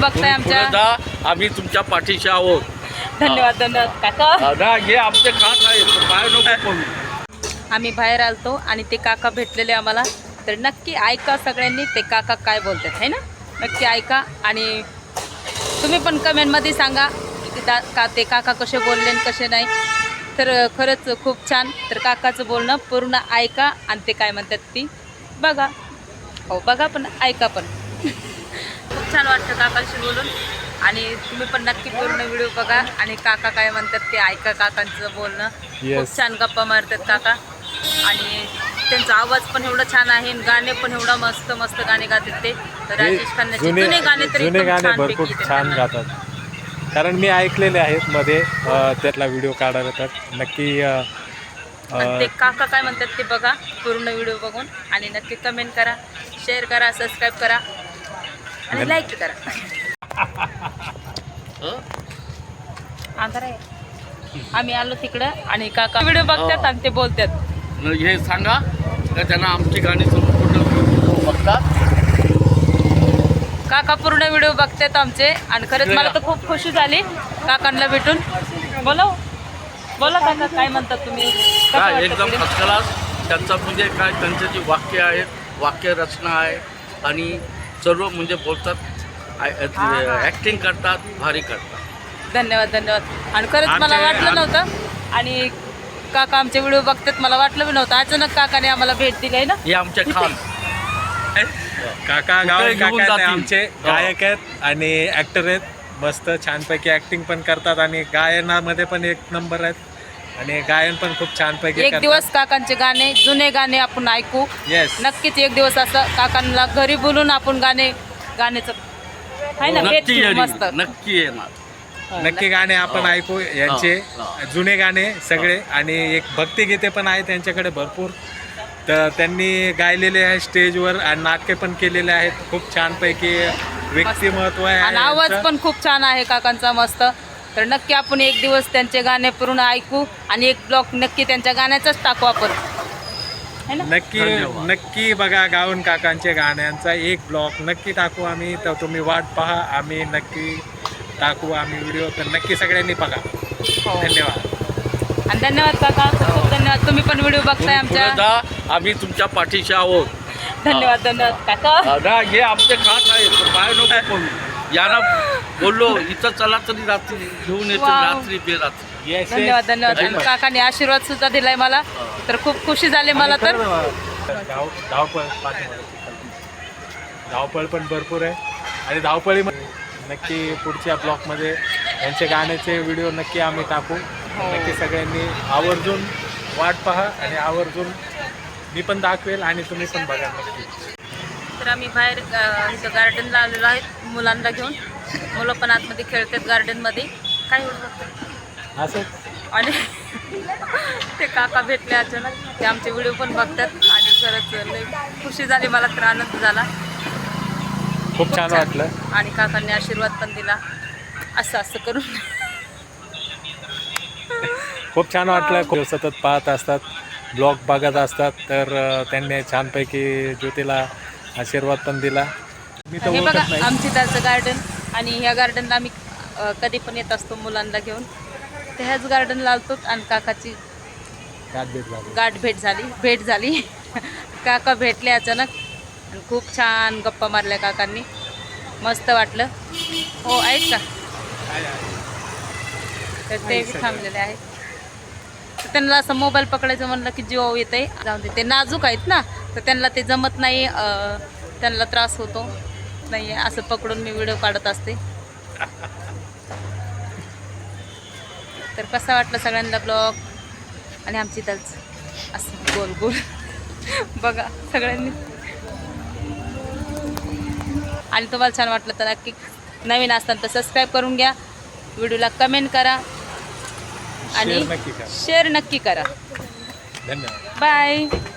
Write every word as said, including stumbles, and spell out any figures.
बघताय आमच्या, आम्ही तुमच्या पाठीशी आहोत. धन्यवाद धन्यवाद काका. हे आमचे खास आहे, बाहेर नको करू. आम्ही बाहेर आलतो आणि ते काका भेटलेले आम्हाला, तर नक्की ऐका सगळ्यांनी ते काका काय बोलतात है ना, नक्की ऐका. आणि तुम्ही पण कमेंटमध्ये सांगा की दा का ते काका कसे बोलले आणि कसे नाही. तर खरंच खूप छान. तर काकाचं बोलणं पूर्ण ऐका आणि ते काय म्हणतात ती बघा. हो बघा पण ऐका पण. खूप छान वाटतं काकाशी बोलून. आणि तुम्ही पण नक्की पूर्ण व्हिडिओ बघा आणि काका काय म्हणतात ते ऐका. काकांचं बोलणं खूप छान, गप्पा मारतात काका. आणि त्यांचा आवाज पण एवढा छान आहे, गाणे पण एवढा मस्त मस्त गाणे गातात ते. तर राजेश खन्नाचे जुने गाणे तर जुने गाणे एकदम भरपूर छानपैकी छान येतात. गातात. कारण मी ऐकलेले आहेत मध्ये, अ, त्यातला व्हिडिओ काढायला. तर नक्की अ, आणि ते काका काय म्हणतात ते बघा पूर्ण व्हिडिओ बघून. आणि नक्की कमेंट करा, शेअर करा, सबस्क्राईब करा आणि लाईक करा. आंधार आहे. आम्ही आलो तिकडं आणि काका व्हिडिओ बघतात आणि ते बोलतात. हे सांगा का त्यांना आमची गाणी पूर्ण बघतात. काका पूर्ण व्हिडिओ बघतात आमचे. आणि खरंच मला तर खूप खुशी झाली काकांना भेटून. बोला बोला काका, काय म्हणतात तुम्ही? कसं काय वाटतं एकदम पुढे? First class. त्यांचं म्हणजे काय, त्यांचे जे वाक्य आहेत, वाक्य रचना आहे आणि सर्व म्हणजे बोलतात, ॲक्टिंग करतात, भारी करतात. धन्यवाद धन्यवाद. आणि खरंच मला आमचे- वाटलं नव्हतं. आणि काका आमचे व्हिडिओ बघतात, मला वाटलं बी नव्हतं. अचानक काकाने आम्हाला भेट दिली आहे ना. हे आमचे खान काका गाव कुठे घेऊन काका ते जातील? आमचे हो. गायक आहेत आणि ॲक्टर आहेत. मस्त छानपैकी ॲक्टिंग पण करतात आणि गायनामध्ये पण एक नंबर आहेत आणि गायन पण खूप छानपैकी एक करतात. दिवस काकांचे गाणे, जुने गाणे आपण ऐकू. येस, नक्कीच एक दिवस असं काकांना घरी बोलून आपण गाणे गाण्याचं आहे ना भेट नक्की घेऊ येईल, मस्त. नक्की येणार. हो, नक्की गाणे आपण हो. ऐकू यांचे हो. जुने गाणे सगळे. आणि एक भक्तिगीते पण आहे त्यांच्याकडे भरपूर. तर त्यांनी गायलेले आहे स्टेजवर आणि नाटके पण केलेले आहेत. खूप छानपैकी व्यक्तिमत्व आहे आणि आवाज यांचं. पण खूप छान आहे काकांचा मस्त. तर नक्की आपण एक दिवस त्यांचे गाणे पूर्ण ऐकू आणि एक ब्लॉग नक्की त्यांच्या गाण्याचाच टाकू आपण है ना. नक्की धन्यवाद. नक्की बघा गाऊन काकांचे गाण्यांचा एक ब्लॉग नक्की टाकू आम्ही. तर तुम्ही वाट पहा, आम्ही नक्की टाकू आम्ही व्हिडिओ. तर नक्की सगळ्यांनी बघा. हो. धन्यवाद. आणि धन्यवाद काका, खूप खूप धन्यवाद. तुम्ही पण व्हिडिओ बघताय पुढे आमच्या. जा, आम्ही तुमच्या पाठीशी आहोत. धन्यवाद धन्यवाद काका. ना हे आमचे खास आहे, बाहेर नको करू. यांना बोललो इथं चला तरी रात्री घेऊन येतो, वाव. रात्री बेरात्री. Yes, yes. धन्यवाद धन्यवाद. आणि धन्यवाद. काकाने आशीर्वाद सुद्धा दिलाय मला, तर खूप खुशी झाली मला. तर धाव धावपळ पाठीमागे. धावपळ पण भरपूर आहे आणि धावपळी नक्की पुढच्या ब्लॉगमध्ये यांचे गाण्याचे व्हिडिओ नक्की आम्ही टाकू. नक्की सगळ्यांनी आवर्जून वाट पहा आणि आवर्जून मी पण दाखवेल आणि तुम्ही पण बघा नक्की. तर आम्ही बाहेर अ, इथं गार्डनला आलेलो आहेत मुलांना घेऊन. मुलं पण आतमध्ये खेळतात गार्डनमध्ये. काय होतं असंच आणि ते काका भेटले अचानक. ते आमचे व्हिडिओ पण बघतात आणि खरंच लय खुशी झाली मला, तर आनंद झाला. खूप छान वाटलं. आणि काकांनी आशीर्वाद पण दिला असं असं करून. खूप छान वाटलं. खूप सतत पाहत असतात, ब्लॉग बघत असतात. तर अ, त्यांनी छानपैकी ज्योतीला आशीर्वाद पण दिला. मी तर हे बघा ओळखत नाही. आमची त्याचं गार्डन. आणि ह्या गार्डनला आम्ही अ, कधी पण येत असतो मुलांना घेऊन. तर ह्याच गार्डनला आलतो आणि काकाची गाठ भेट झाली. गाठ भेट झाली भेट झाली काका भेटले अचानक आणि खूप छान गप्पा मारल्या काकांनी. मस्त वाटलं. हो आहेत का? तर ते बी थांबलेले आहेत. तर त्यांना असं मोबाईल पकडायचं म्हणलं की जीव येते. जाऊन दे, ते नाजूक आहेत ना, तर त्यांना ते जमत नाही. अं, त्यांना त्रास होतो नाही असं पकडून मी व्हिडिओ काढत असते. तर कसा वाटलं सगळ्यांना ब्लॉग आणि आमची तच असं गोल गोल बघा सगळ्यांनी. आणि तुम्हाला छान वाटलं तर नक्की नवीन असताना तर सबस्क्राईब करून घ्या, व्हिडिओला कमेंट करा आणि शेअर नक्की करा. शेअर नक्की करा. धन्यवाद. बाय.